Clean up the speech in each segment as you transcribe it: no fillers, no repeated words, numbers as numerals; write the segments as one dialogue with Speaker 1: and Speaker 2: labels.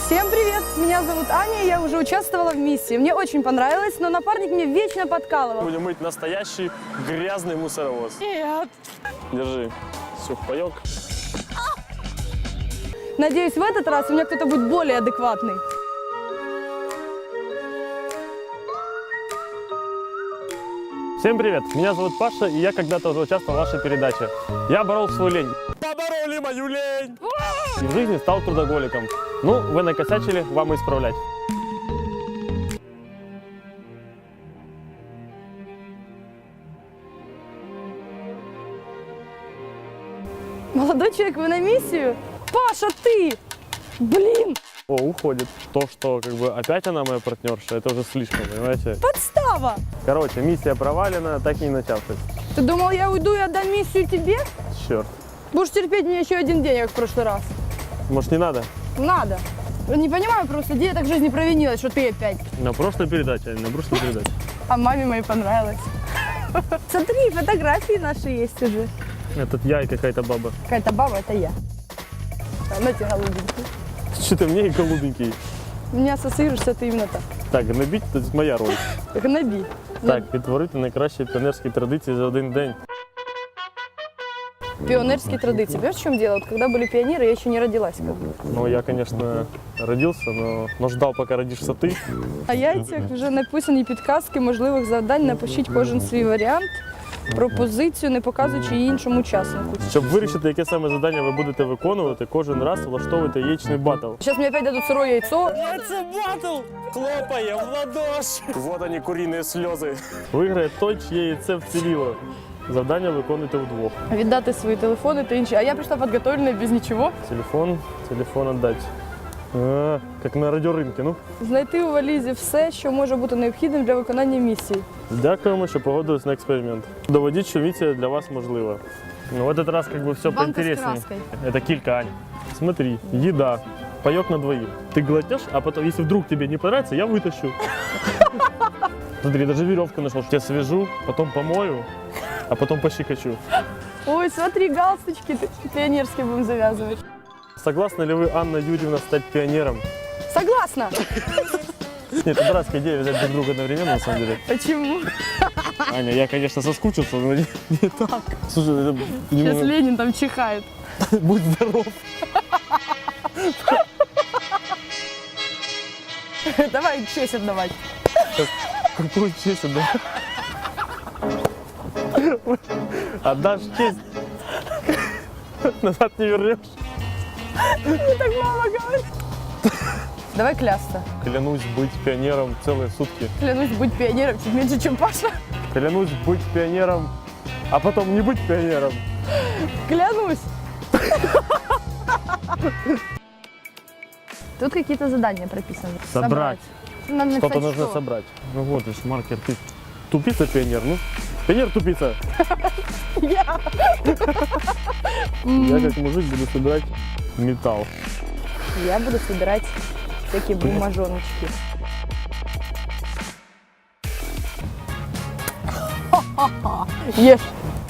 Speaker 1: Всем привет! Меня зовут Аня, я уже участвовала в миссии. Мне очень понравилось, но напарник мне вечно подкалывал.
Speaker 2: Будем мыть настоящий грязный мусоровоз.
Speaker 1: Нет!
Speaker 2: Держи. Сухпайок.
Speaker 1: Надеюсь, в этот раз у меня кто-то будет более адекватный.
Speaker 2: Всем привет! Меня зовут Паша, и я когда-то уже участвовал в вашей передаче. Я борол свою лень. Побороли мою лень! И в жизни стал трудоголиком. Ну, вы накосячили, вам и исправлять.
Speaker 1: Молодой человек, вы на миссию? Паша, ты! Блин!
Speaker 2: О, уходит. То, что как бы опять она моя партнерша, это уже слишком, понимаете?
Speaker 1: Подстава!
Speaker 2: Короче, миссия провалена, так и не начавшись.
Speaker 1: Ты думал, я уйду и отдам миссию тебе?
Speaker 2: Черт.
Speaker 1: Будешь терпеть меня еще один день, как в прошлый раз.
Speaker 2: Может, не надо?
Speaker 1: Надо. Не понимаю просто, где я так в жизни провинилась, что ты опять.
Speaker 2: На прошлой передаче, на прошлой передаче.
Speaker 1: А маме моей понравилось. Смотри, фотографии наши есть уже.
Speaker 2: Этот я и какая-то баба.
Speaker 1: Какая-то баба, это я. Она тебе голубенький.
Speaker 2: Что-то мне и голубенький.
Speaker 1: Меня ассоциируешься ты именно так.
Speaker 2: Так, гнобіть – це моя роль.
Speaker 1: Гноби.
Speaker 2: Так, відтворити найкращі піонерські традиції за один день.
Speaker 1: Пионерские традиции. Понимаешь, в чем дело? Вот когда были пионеры, я еще не родилась. Как бы.
Speaker 2: Ну, я, конечно, родился, но ждал, пока родишься ты.
Speaker 1: А яйцях вже написані підказки можливих завдань. Напишіть кожен свій варіант, пропозицію, не показуючи її іншому учаснику.
Speaker 2: Щоб вирішити, яке саме завдання ви будете виконувати, кожен раз влаштовуйте яєчний батл.
Speaker 1: Сейчас мне опять дадут сырое яйцо.
Speaker 2: Яйце батл! Хлопає в ладоші! Вот они, куриные сльози. Виграє той, чиє яйце вціліло. Завдання виконуйте вдвох.
Speaker 1: Віддати свої телефони та інші. А я прийшла підготовлена без нічого.
Speaker 2: Телефон отдать. Як на радіоринку, ну.
Speaker 1: Знайти у валізі все, що може бути необхідним для виконання місії.
Speaker 2: Дякуємо, що погодились на експеримент. Доведіть, що місія для вас можлива. Ну, в этот раз как бы все
Speaker 1: Банка с
Speaker 2: поинтереснее.
Speaker 1: краской.
Speaker 2: Это килька, Ань. Смотри, еда, паёк на двоих. Ты глотнешь, а потом, если вдруг тебе не понравится, я вытащу. Смотри, даже веревку нашел. Я свяжу, потом помою, а потом пощекочу.
Speaker 1: Ой, смотри, галстучки пионерские будем завязывать.
Speaker 2: Согласны ли вы, Анна Юрьевна, стать пионером?
Speaker 1: Согласна.
Speaker 2: Нет, это дурацкая идея взять друг друга одновременно, на самом деле.
Speaker 1: Почему?
Speaker 2: Аня, я, конечно, соскучился, но не так. Слушай, это
Speaker 1: Сейчас
Speaker 2: немного...
Speaker 1: Ленин там чихает.
Speaker 2: Будь здоров.
Speaker 1: Давай честь отдавать.
Speaker 2: Какую честь отдашь? Отдашь честь, назад не вернешь.
Speaker 1: Так мама говорит. Давай клясться.
Speaker 2: Клянусь быть пионером целые сутки.
Speaker 1: Клянусь быть пионером чуть меньше, чем Паша.
Speaker 2: Клянусь быть пионером, а потом не быть пионером.
Speaker 1: Клянусь. Тут какие-то задания прописаны.
Speaker 2: Собрать.
Speaker 1: Надо
Speaker 2: Что-то
Speaker 1: написать,
Speaker 2: нужно
Speaker 1: что.
Speaker 2: собрать. Ну вот, видишь, маркер. Ты тупица пионер, ну? Пионер тупица.
Speaker 1: Я.
Speaker 2: Я как мужик буду собирать металл.
Speaker 1: Я буду собирать всякие бумажоночки. Ешь.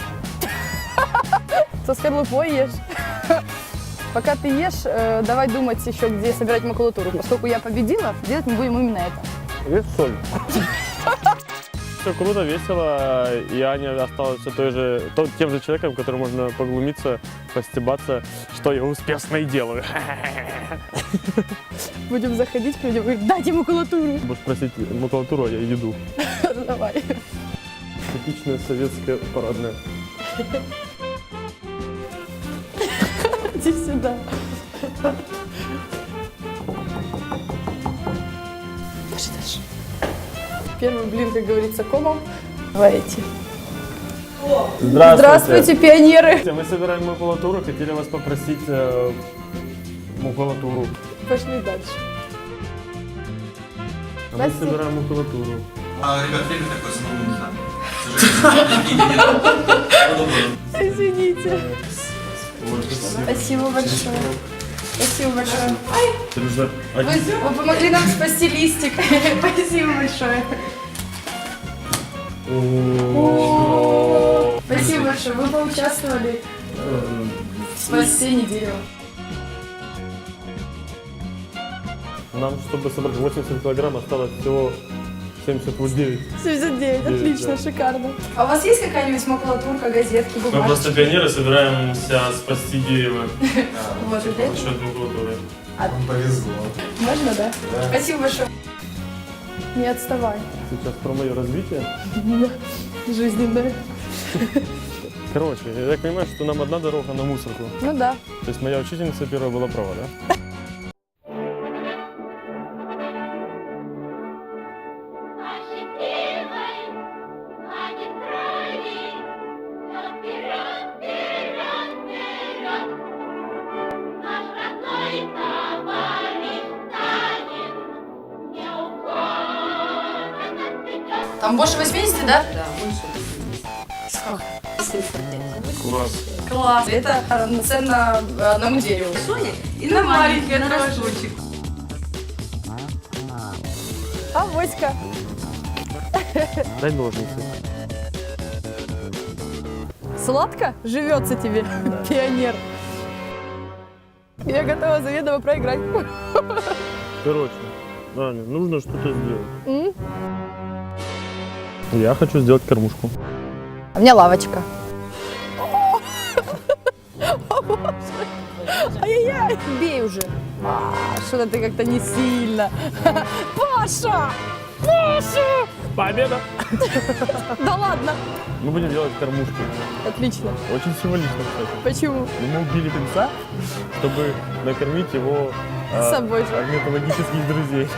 Speaker 1: Со скорлупой ешь. Пока ты ешь, давай думать еще, где собирать макулатуру. Поскольку я победила, делать мы будем именно это.
Speaker 2: Есть соль. Все круто, весело, и Аня осталась все тем же человеком, которым можно поглумиться, постебаться, что я успешно и делаю.
Speaker 1: Будем заходить к людям и говорить, дайте макулатуру.
Speaker 2: Будешь просить макулатуру, а я еду.
Speaker 1: Давай.
Speaker 2: Типичная советская парадная.
Speaker 1: Иди сюда. Дальше. Первый блин, как говорится, комом. Давайте. Здравствуйте, пионеры.
Speaker 2: Мы собираем макулатуру, хотели вас попросить макулатуру.
Speaker 1: Пошли дальше.
Speaker 2: А мы собираем макулатуру.
Speaker 3: Ребят, время такое самому не знаю.
Speaker 1: Извините. Спасибо большое. Спасибо большое. Вы помогли нам спасти листик. Спасибо большое. Спасибо большое. Вы поучаствовали в спасении дерева.
Speaker 2: Нам, чтобы собрать 80 килограмм, осталось всего 79.
Speaker 1: 79, отлично,
Speaker 2: да.
Speaker 1: шикарно. А у вас есть какая-нибудь макулатурка, газетки,
Speaker 2: Мы
Speaker 1: бумажки?
Speaker 2: просто пионеры собираемся спасти Геева
Speaker 1: Вот,
Speaker 2: за
Speaker 1: здесь?
Speaker 2: счет макулатуры.
Speaker 3: Вам повезло.
Speaker 1: Можно, да? Спасибо большое. Не отставай.
Speaker 2: Сейчас про мое развитие.
Speaker 1: Жизненное.
Speaker 2: Короче, я так понимаю, что нам одна дорога на мусорку.
Speaker 1: Ну да.
Speaker 2: То есть моя учительница первая была права, да?
Speaker 1: Там больше 80, да?
Speaker 4: Да, больше.
Speaker 2: Класс.
Speaker 1: Класс. Это ценно на мундире.
Speaker 4: Соня
Speaker 1: И на маленькое
Speaker 4: на
Speaker 1: тоже.
Speaker 4: росточек.
Speaker 1: А Воська.
Speaker 2: Дай ножницы.
Speaker 1: Сладко живется тебе, пионер. Я готова заведомо проиграть.
Speaker 2: Короче, Аня, нужно что-то сделать.
Speaker 1: М?
Speaker 2: Я хочу сделать кормушку.
Speaker 1: У меня лавочка. Ай-яй-яй, бей уже. Что-то ты как-то не сильно. Паша! Паша!
Speaker 2: Победа!
Speaker 1: Да ладно.
Speaker 2: Мы будем делать кормушки.
Speaker 1: Отлично.
Speaker 2: Очень символично, кстати.
Speaker 1: Почему?
Speaker 2: Мы убили певца, чтобы накормить его
Speaker 1: С собой же.
Speaker 2: орнитологических друзей.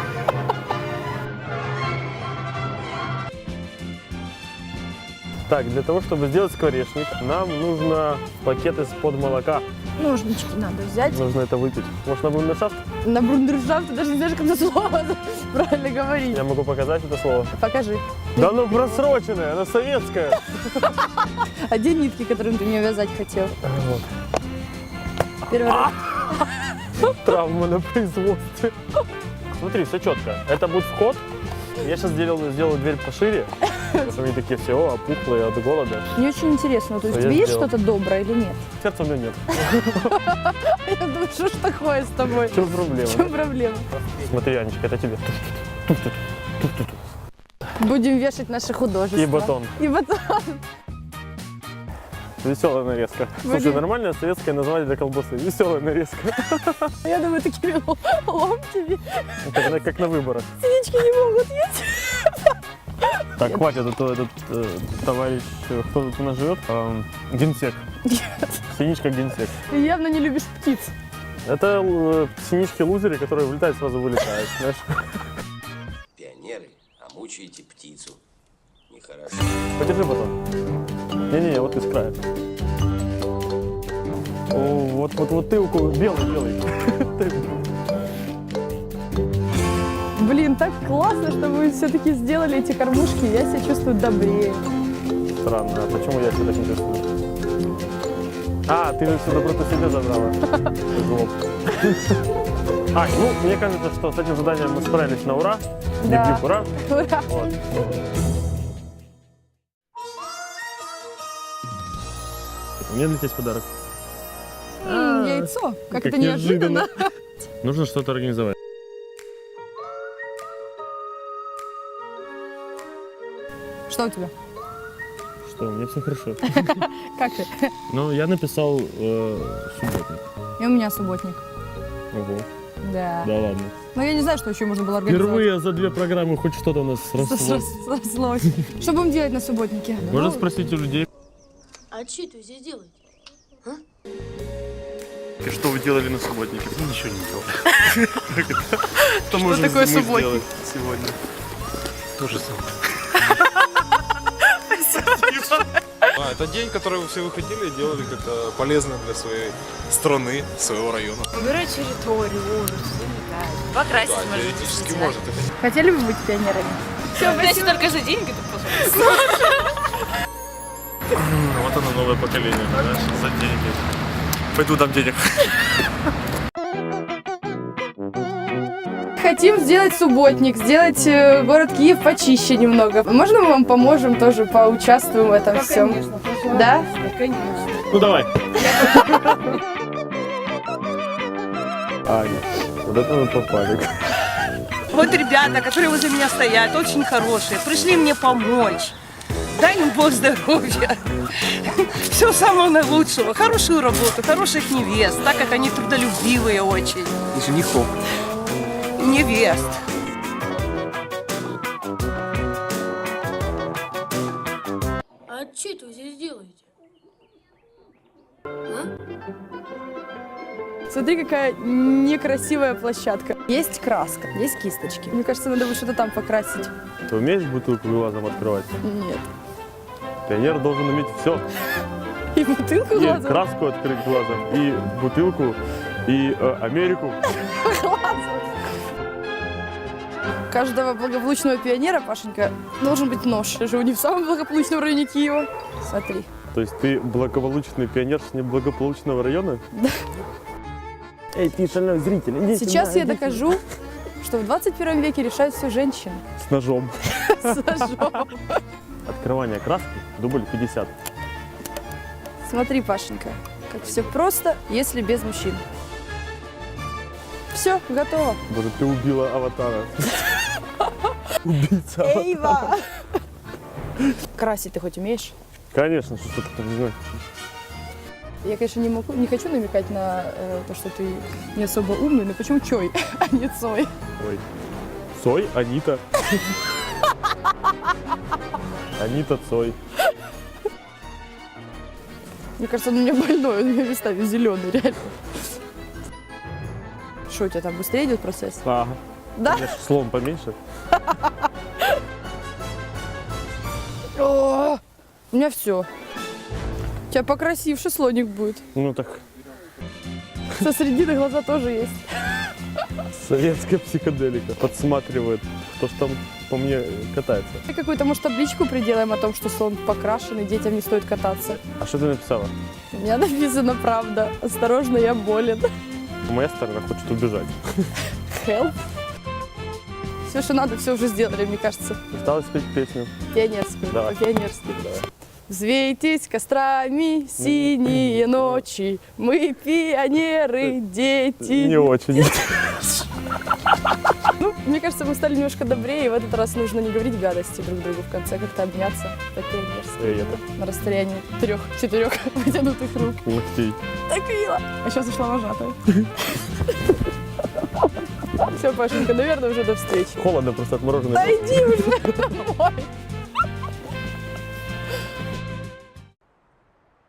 Speaker 2: Так, для того, чтобы сделать скворечник, нам нужно пакет из-под молока.
Speaker 1: Ножнички надо взять.
Speaker 2: Нужно это выпить. Может, на бундершафт?
Speaker 1: На брундершафт ты даже не знаешь, как это слово правильно говорить.
Speaker 2: Я могу показать это слово.
Speaker 1: Покажи.
Speaker 2: Да оно просроченное, оно советское.
Speaker 1: А где нитки, которым ты мне вязать хотел?
Speaker 2: Вот.
Speaker 1: Первый раз.
Speaker 2: Травма на производстве. Смотри, все четко. Это будет вход. Я сейчас сделаю дверь пошире, потому что они такие все опухлые от голода.
Speaker 1: Мне очень интересно, то есть
Speaker 2: Что я
Speaker 1: видишь
Speaker 2: сделал?
Speaker 1: что-то доброе или нет?
Speaker 2: Сердца у меня нет.
Speaker 1: Я думаю, что ж такое с тобой?
Speaker 2: В чем проблема?
Speaker 1: В чем проблема?
Speaker 2: Смотри, Анечка, это тебе.
Speaker 1: Будем вешать наши художества.
Speaker 2: И батон.
Speaker 1: И батон.
Speaker 2: Веселая нарезка. Слушай,
Speaker 1: Будем-
Speaker 2: нормальное советское название для колбасы. Веселая нарезка.
Speaker 1: Я думаю, такими ломтями
Speaker 2: Как на выборах.
Speaker 1: синички не могут есть.
Speaker 2: Так, хватит, а то этот товарищ, кто тут у нас живет? Генсек. Синичка генсек.
Speaker 1: Ты явно не любишь птиц.
Speaker 2: Это синички-лузеры, которые влетают, сразу вылетают, знаешь.
Speaker 5: Пионеры, а мучаете птицу. Нехорошо.
Speaker 2: Подержи батон. Не-не-не, вот из края. О, вот ты белый.
Speaker 1: Блин, так классно, что вы все-таки сделали эти кормушки. Я себя чувствую добрее.
Speaker 2: Странно, а почему я себя так не чувствую? А, ты же всю доброту себе забрала. Жлоб. Ну, мне кажется, что с этим заданием мы справились на ура.
Speaker 1: Да.
Speaker 2: Дип-дип, ура.
Speaker 1: Ура.
Speaker 2: Вот. У меня для тебя есть подарок.
Speaker 1: Яйцо. Как это неожиданно.
Speaker 2: Нужно что-то организовать.
Speaker 1: Что у тебя?
Speaker 2: Что, у меня все хорошо.
Speaker 1: Как ты?
Speaker 2: Ну, я написал субботник.
Speaker 1: И у меня субботник.
Speaker 2: Ого,
Speaker 1: Да.
Speaker 2: да ладно.
Speaker 1: Но я не знаю, что еще можно было организовать.
Speaker 2: Впервые за 2 программы хоть что-то у нас срослось.
Speaker 1: Срослось. Что будем делать на субботнике?
Speaker 2: Можно спросить у людей,
Speaker 6: А что это здесь делаете?
Speaker 2: что вы делали на субботнике? Ничего не делал. Что
Speaker 1: такое субботник?
Speaker 2: Сегодня.
Speaker 3: То же самое. Это день, который все выходили и делали как-то полезно для своей страны, своего района.
Speaker 4: Убирать территорию, улицу, заметать. Покрасить,
Speaker 3: Да,
Speaker 4: может,
Speaker 3: теоретически
Speaker 4: действительно.
Speaker 3: может. Это
Speaker 1: Хотели бы быть пионерами?
Speaker 4: Все, значит, только за деньги ты пожалуйста.
Speaker 2: Вот оно новое поколение, знаешь, за деньги. Пойду дам денег.
Speaker 1: Хотим сделать субботник, сделать город Киев почище немного. Можно мы вам поможем тоже, поучаствуем в этом всем? Да?
Speaker 2: Ну давай. Аня, вот это мы попали.
Speaker 7: Вот ребята, которые возле меня стоят, очень хорошие, пришли мне помочь. Дай им Бог здоровья. Всего самого наилучшего. Хорошую работу, хороших невест, так как они трудолюбивые очень.
Speaker 8: И женихов.
Speaker 7: Невест.
Speaker 6: А что это вы здесь делаете?
Speaker 1: Смотри, какая некрасивая площадка. Есть краска, есть кисточки. Мне кажется, надо бы что-то там покрасить.
Speaker 2: Ты умеешь бутылку глазом открывать?
Speaker 1: Нет.
Speaker 2: Пионер должен уметь все.
Speaker 1: И бутылку
Speaker 2: И
Speaker 1: глазом.
Speaker 2: краску открыть глазом, и бутылку, и Америку.
Speaker 1: У каждого благополучного пионера, Пашенька, должен быть нож. Я живу не в самом благополучном районе Киева. Смотри.
Speaker 2: То есть ты благополучный пионер с неблагополучного района?
Speaker 1: Да.
Speaker 2: Эй, ты шальной зритель, иди
Speaker 1: Сейчас
Speaker 2: сюда,
Speaker 1: я
Speaker 2: иди
Speaker 1: докажу, что в 21 веке решают все женщины.
Speaker 2: сюда. С ножом.
Speaker 1: С ножом.
Speaker 2: Открывание краски, дубль 50.
Speaker 1: Смотри, Пашенька, как все просто, если без мужчин. Все, готово.
Speaker 2: Боже, ты убила аватара. Убийца аватара.
Speaker 1: Эйва! Красить ты хоть умеешь?
Speaker 2: Конечно, что ты не знаю.
Speaker 1: Я, конечно, не хочу намекать на то, что ты не особо умный, но почему Чой, а не Цой?
Speaker 2: Ой. Цой, Анита. Анита Цой.
Speaker 1: Мне кажется, он у меня больной, он у меня местами зеленый, реально. Что, у тебя там быстрее идет процесс?
Speaker 2: Ага.
Speaker 1: Да?
Speaker 2: Конечно, слон поменьше.
Speaker 1: О, у меня все. У тебя покрасивше слоник будет.
Speaker 2: Ну так,
Speaker 1: Со средины глаза тоже есть.
Speaker 2: советская психоделика. Подсматривает, кто ж там по мне катается.
Speaker 1: Какую-то, может, табличку приделаем о том, что слон покрашен и детям не стоит кататься.
Speaker 2: А что ты написала?
Speaker 1: У меня написано правда. Осторожно, я болен.
Speaker 2: Моя сторона хочет убежать.
Speaker 1: Help. Все, что надо, все уже сделали, мне кажется.
Speaker 2: Осталось спеть песню.
Speaker 1: Пионерскую.
Speaker 2: Давай.
Speaker 1: По-пионерски. Взвейтесь кострами синие ночи, мы пионеры, дети.
Speaker 2: Не очень.
Speaker 1: Ну, мне кажется, мы стали немножко добрее, и в этот раз нужно не говорить гадости друг другу в конце, как-то обняться по-пионерски.
Speaker 2: Эй, это
Speaker 1: На расстоянии 3-4 вытянутых рук.
Speaker 2: ногтей.
Speaker 1: Так мило. А сейчас ушла вожатая. Все, Пашенька, наверное, уже до встречи.
Speaker 2: Холодно просто отмороженный.
Speaker 1: Да иди уже домой.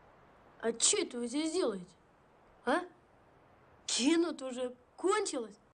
Speaker 6: А что это вы здесь делаете? А? Кино-то уже кончилось.